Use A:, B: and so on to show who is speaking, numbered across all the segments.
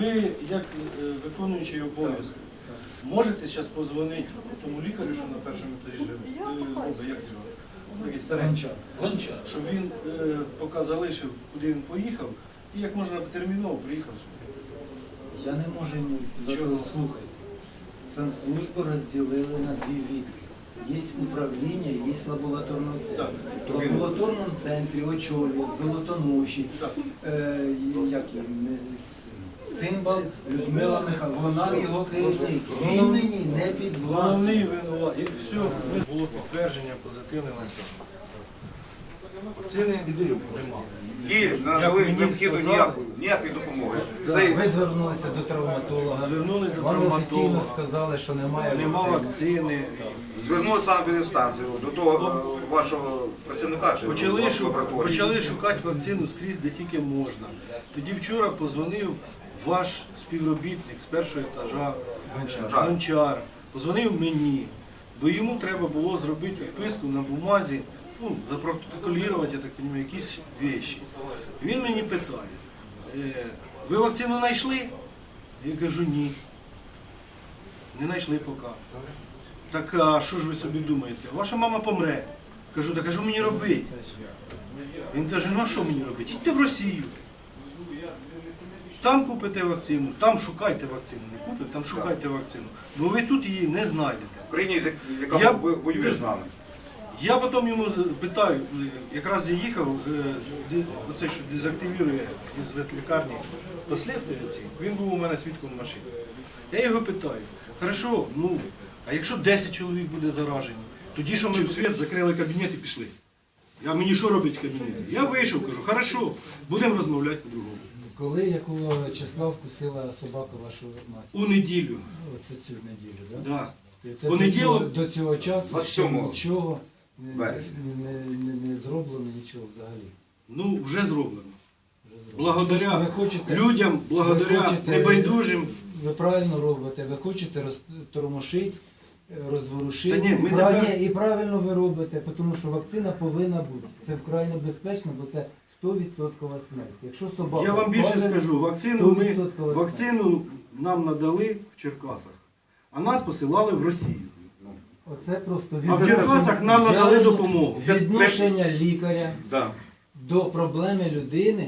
A: Ви, як виконуючий обов'язки, можете зараз позвонити тому лікарю, що на першому етажі живе? Як його? Такий старенький.
B: Гончар.
A: Щоб він поки залишив, куди він поїхав, і як можна терміново приїхав сюди.
C: Я не можу слухати. Санслужбу розділили на дві відки. Є управління, є лабораторний центр. В лабораторному центрі очолює Золотоноші, Цимбал Людмила Михайловна. Вона його керівник. Він мені не підвласний.
A: Головний винуват. І все, було підтвердження позитивне на цьому. Вакцини немає.
D: І надали необхідну ніякої допомоги.
C: Ви звернулися до травматолога.
A: Звернулись до
C: Вам офіційно
A: травматолога.
C: сказали, що немає
A: Вакцини.
D: Звернулися на санепідемстанцію, до того вашого працівника чи лабораторії.
A: Почали шукати вакцину скрізь, де тільки можна. Тоді вчора позвонив ваш співробітник з першого етажа, Гончар. Позвонив мені, бо йому треба було зробити відписку на бумазі, запротоколірувати, я так розумію, якісь речі. Він мені питає, ви вакцину знайшли? Я кажу, ні. Не знайшли поки. Так, а що ж ви собі думаєте? Ваша мама помре. Кажу, так а що мені робити? Він каже, ну а що мені робити? Йдьте в Росію. Там купите вакцину, там шукайте вакцину. Не купите, там шукайте вакцину. Бо ви тут її не знайдете.
D: В країні, яка воює з нами.
A: Я потім йому питаю, якраз я їхав, оцей, що дезактивірує із ветлікарні послідствия ці, він був у мене свідком в машині. Я його питаю, хорошо, а якщо 10 чоловік буде заражені, тоді що ми в світ закрили кабінет і пішли? Мені що робить в кабінеті? Я вийшов, кажу, хорошо, будемо розмовляти по-другому.
C: Коли, якого числа вкусила собака вашу мать?
A: У неділю.
C: Оце цю неділю, так?
A: Да.
C: Це
A: Понеділок,
C: до цього часу
D: 27
C: нічого
D: вересня.
C: не зроблено, нічого взагалі.
A: вже зроблено.
C: Вже зроблено.
A: Благодаря
C: Ви хочете-
A: людям, благодаря небайдужим.
C: Ви правильно робите, ви хочете розтормошити, розворушити.
A: Та ні, ми тепер-
C: І правильно ви робите, тому що вакцина повинна бути. Це вкрай небезпечно, бо це 100% смерть. Якщо собака
A: Я вам більше
C: скважина,
A: скажу,
C: 100%
A: вакцину нам надали в Черкасах, а нас посилали в Росію.
C: Оце просто
A: А в Черкасах нам надали допомогу.
C: Відношення лікаря
D: Да.
C: до проблеми людини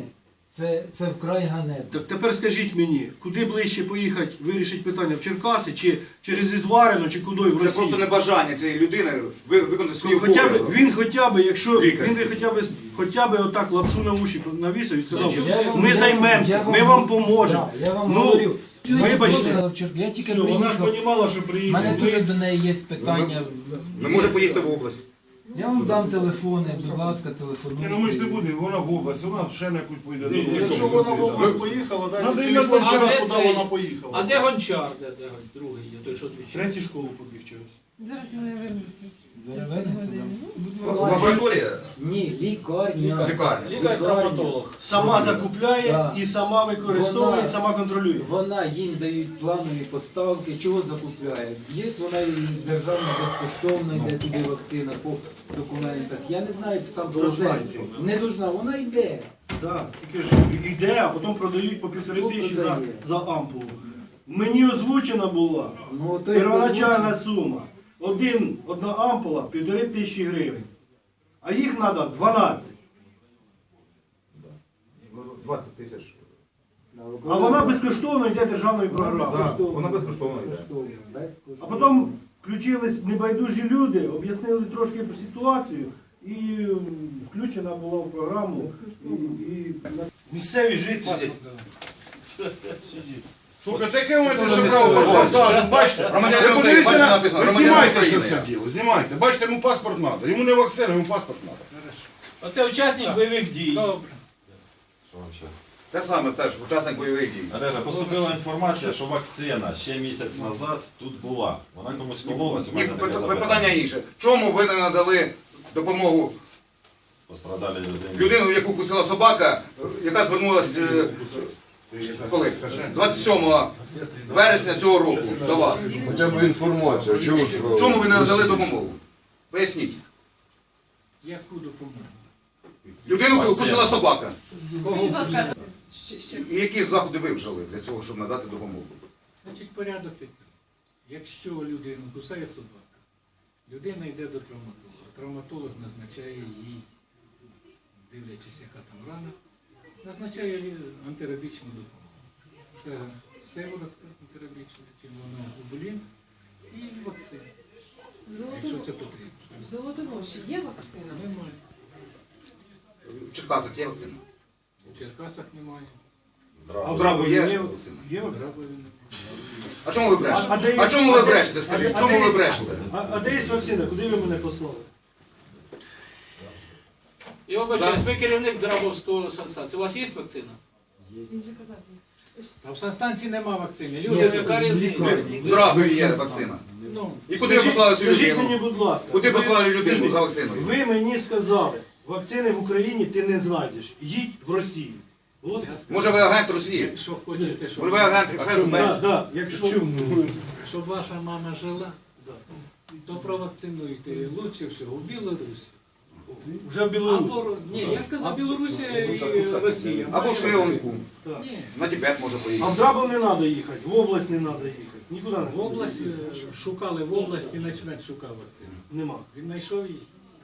C: це вкрай ганебно.
A: Так тепер скажіть мені, куди ближче поїхати вирішити питання, в Черкаси, чи через Ізварину, чи куди в Росію?
D: Це просто небажання цієї людини виконати свою
A: Він хоча б, якщо
D: Лікар.
A: він хоча б отак лапшу на уші навісив і сказав,
C: Я
A: ми займемося, ми вам поможемо.
C: Я вам говорю.
A: Вибачте.
C: Я тільки
A: Все, вона ж
C: приїхав.
A: розуміла, що
C: У
A: приїде.
C: мене дуже до неї є питання.
D: Не може поїхати в область.
C: Я вам дам телефони, будь ласка, телефонуйте.
E: Ну ми ж не будемо, вона в область, вона ще на якусь поїде.
F: Якщо вона в область поїхала,
E: Надо
F: дайте
E: їм
F: телефон,
E: назначати.
F: куди вона поїхала.
B: А де Гончар? Де другий є, той, що двічі?
A: Третій школу побіг чогось.
G: Зараз вони вернуться.
C: Вернеться, да?
D: Лабораторія?
C: Ні, лікарня.
D: Лікарня.
B: Лікар-травматолог.
A: Сама закупляє
C: Да.
A: і сама використовує, і сама контролює.
C: Вона їм дають планові поставки, чого закупляє. Є вона і державна безкоштовна, йде туди вакцина по документах. Я не знаю сам
A: Должна
C: процес.
A: йти.
C: Не должна, вона йде.
A: Так, тільки ж йде, а потім продають по 1500
C: Хто продає?
A: за ампулу. Мені озвучена була
C: Ну, то й
A: первоначальна
C: озвучено.
A: сума. Одна ампула 1500 гривень. А їх треба 12.
D: 20 тисяч.
A: А вона безкоштовно йде державною програмою.
D: Вона безкоштовна йде.
A: А потім включились небайдужі люди, об'яснили трошки ситуацію і включена була в програму. Місцеві жителі.
E: Слухайте, яке ви маєте ще право паспорт? Бачите,
D: Громадянин
E: ви
D: України,
E: подивіться
D: бачите,
E: на...
D: написано,
E: Ви
D: громадянин
E: знімайте це
D: України.
E: все діло, знімайте. Бачите, йому паспорт треба. Йому не вакцина, йому паспорт треба.
B: Оце учасник бойових дій. Добре.
D: Те саме теж, учасник бойових дій.
H: Олеже, поступила інформація, що вакцина ще місяць назад тут була. Вона комусь кололась, у мене таке
D: Питання
H: запитання.
D: інше. Чому ви не надали допомогу
H: Пострадалі людині.
D: людину, яку кусила собака, яка звернулася коли? 27 вересня цього року до вас?
F: Хоча б інформація, чого справа?
D: Чому ви не надали допомогу? Поясніть.
B: Яку допомогу?
D: Людину кусила собака.
G: Скажіть, будь ласка, Ще.
D: І які заходи ви вжили для цього, щоб надати допомогу?
B: Значить, порядок такий. Якщо людину кусає собака, людина йде до травматолога. Травматолог назначає їй, дивлячись, яка там рана, назначає антирабічну допомогу. Це сиворотка антирабічна, червоноглобулін і вакцина, якщо це потрібно.
G: В Золотоноші є вакцина?
B: Немає.
D: В Черкасах є вакцина?
B: У Черкасах немає.
A: А в
D: Драбу є
A: Драбові
D: вакцина?
A: Є вакцина?
B: Драбові немає.
D: А чому ви брешете?
A: А де є-
D: А чому ви брешете? Скажіть,
A: А
D: чому
A: де
D: ви
A: є-
D: брешете?
A: А де є вакцина? Куди ви мене послали?
B: Я вибачаюсь, ви керівник Драбовського санстанції. У вас є вакцина?
G: Він же казав.
B: А в санстанції нема вакцини. Люди, яка різниця?
D: В Драбові є вакцина.
B: Ну,
D: І куди ви послали цю
A: Скажіть мені,
D: людину?
A: будь ласка.
D: Куди
A: ви-
D: послали людину
A: скажіть,
D: за вакциною?
A: Ви мені сказали, вакцини в Україні ти не знайдеш. Їдь в Росію. От.
B: я скажу,
D: Може ви агент Росії?
B: якщо хочете,
D: Може ви агент ФСБ?
A: Да, да, якщо...
B: щоб ваша мама жила,
A: Да.
B: то провакцинуйте лучше всього в Білорусі.
A: Вже в Білорусі.
B: Або, ні, я сказав Білорусі і Росія.
D: Або в Шри-Ланку.
A: Так.
B: Ні,
D: На Тибет може
A: А в
D: поїхати.
A: Драбов не треба їхати, в область не треба їхати. Нікуди не
B: в області шукали, в області начмет шукав вакцину.
A: Нема.
B: Він знайшов її.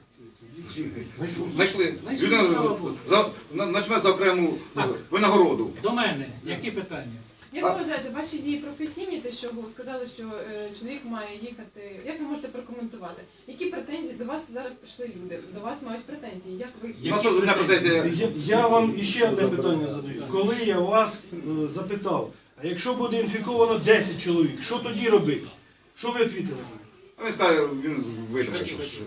D: Знайшли.
B: Знайшли,
D: Людина
B: слава Богу.
D: начме за окрему винагороду.
B: До мене, які питання?
G: Як ви вважаєте, ваші дії професійні, те, що ви сказали, що чоловік має їхати, як ви можете прокоментувати? Які претензії до вас зараз прийшли люди? До вас мають претензії? Як ви
D: У нас одна претензія.
A: Я вам іще одне питання задаю. Коли я вас запитав, а якщо буде інфіковано 10 чоловік, що тоді робити? Що ви відповіли мені?
D: А він скаже, він вийде.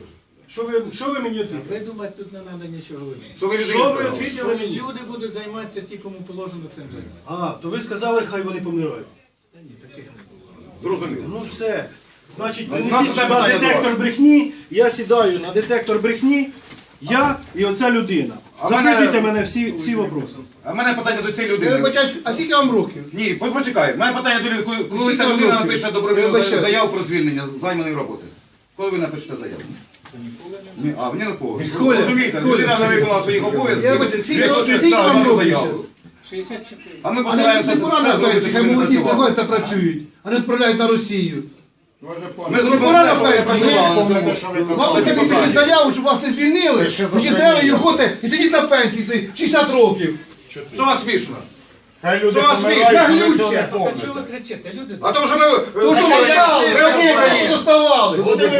A: Що ви мені відповіли?
B: Придумати тут не треба нічого говорити.
D: Що ви
A: Що
D: людині
A: ви
D: сказали?
A: відповіли мені?
B: Люди будуть займатися ті, кому положено цим займатися.
A: А, то ви сказали, хай вони помирають.
B: Та ні, таких не було.
D: Зрозуміло.
A: Ну все. Значить,
D: У нас
A: принесіть
D: це
A: сюди
D: питання до
A: детектор
D: вас.
A: брехні, я сідаю на детектор брехні, я і оця людина.
D: А
A: Запитуйте
D: мене-
A: мене всі вопроси.
D: А в мене питання до цієї
E: Я
D: людини.
E: вибачаюсь, а скільки вам років?
D: Ні, почекай. У мене питання до людини. Коли
E: Скільки
D: ця
E: вам
D: людина
E: років?
D: напише
E: Я
D: добровільну
E: вибачаюсь.
D: заяву про звільнення з займаної роботи? Коли ви напишете заяву? Ні, а, мені на кого?
E: Коля,
D: Розумієте,
E: Коля.
D: людина не виконала своїх
E: Я
D: обов'язків.
E: вибачаюсь, скільки
D: для того,
E: років?
D: щоб
E: Скільки вам
D: ставити
E: років
D: заяву.
B: 64.
D: А ми
E: А не
D: постараємося
E: пора
D: все зробити,
E: що
D: щоб він
E: молоді
D: працював.
E: приходять та працюють, а не відправляють на Росію.
D: Ми зробимо
E: Пора
D: все, щоб ви
E: напевно,
D: працювали.
E: Вам це пишуть заяву, щоб вас не звільнили, ви ще взяли і ходите і сидіть на пенсії свої 60 років.
D: Що вас смішно?
F: Хай люди
D: Що вас
F: помирають,
E: смішно?
F: але цього не
E: Глюче.
B: А
F: помните.
B: чого ви кричите? Люди
D: А то, що ми...
E: Ну що ви встали, сиділи, доставали.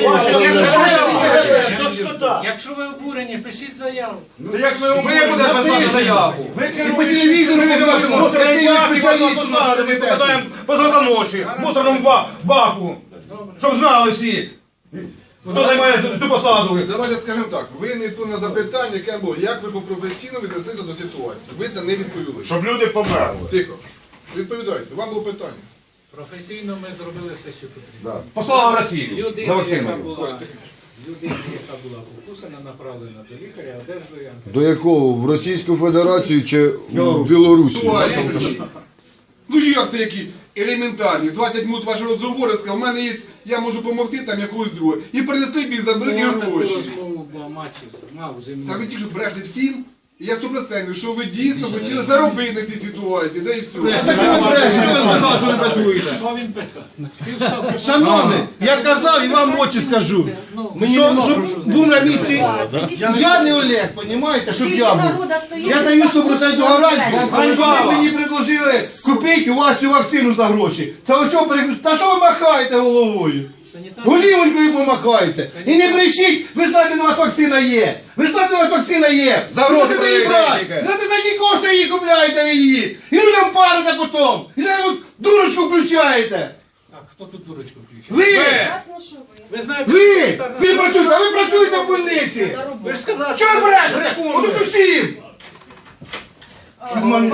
B: Якщо ви обурені, пишіть заяву.
F: То як ви
D: Ми будемо писати заяву.
F: Ви
E: І по телевізору побачимо,
D: Ми
E: спеціалістів.
D: покатаємо по ночі, в мусорному баку, щоб знали всі, хто займає цю посаду.
I: Давайте скажемо так, ви не відповіли на запитання, яке було, як ви професійно віднеслися до ситуації. Ви це не відповіли.
F: Щоб люди померли.
I: Тихо. Відповідайте, вам було питання.
B: Професійно ми зробили все, що потрібно.
D: Послала в Росію за
B: Людина, яка
D: вакциною.
B: була покусана, направлена до лікаря, одержує
F: До якого? В Російську Федерацію чи в Білорусі?
I: Ну ж як це які елементарні. 20 минут вашого розговору сказав, у мене є, я можу допомогти там якогось другого. І принесли бій за великі
B: таку
I: гроші.
B: розмову мав зі
I: Та ви
B: мною.
I: тільки що брешете всім. І я 100%, що ви дійсно хотіли заробити на цій ситуації, де і все.
E: Та чого ви брешете?
D: Що ви сказали, що не працюєте?
B: Що він писав?
E: Шановний, я казав і вам в очі скажу.
A: Мені
E: Що,
A: нема
E: щоб
A: про що
E: був на місці, я не Олег, понімаєте, щоб я був. Я даю 100% гарантію, ви мені предложили купити у вас цю вакцину за гроші. Це ось переключ. Та що ви махаєте головою? Голівонькою помахаєте. І не брешіть, ви знаєте, де у вас вакцина є. Ви знаєте, де у вас вакцина є.
D: За гроші
E: Ви можете її
D: продаєте
E: брати.
D: тільки.
E: Знаєте, за які кошти її купляєте ви її. І людям парите потім. І зараз от дурочку включаєте.
B: Так, хто тут дурочку включив?
E: Ви!
B: Ви знаєте,
E: Ви! Ви працюєте, а ви працюєте в больниці!
B: ви ж сказали,
E: Чого ви брешете? От усім!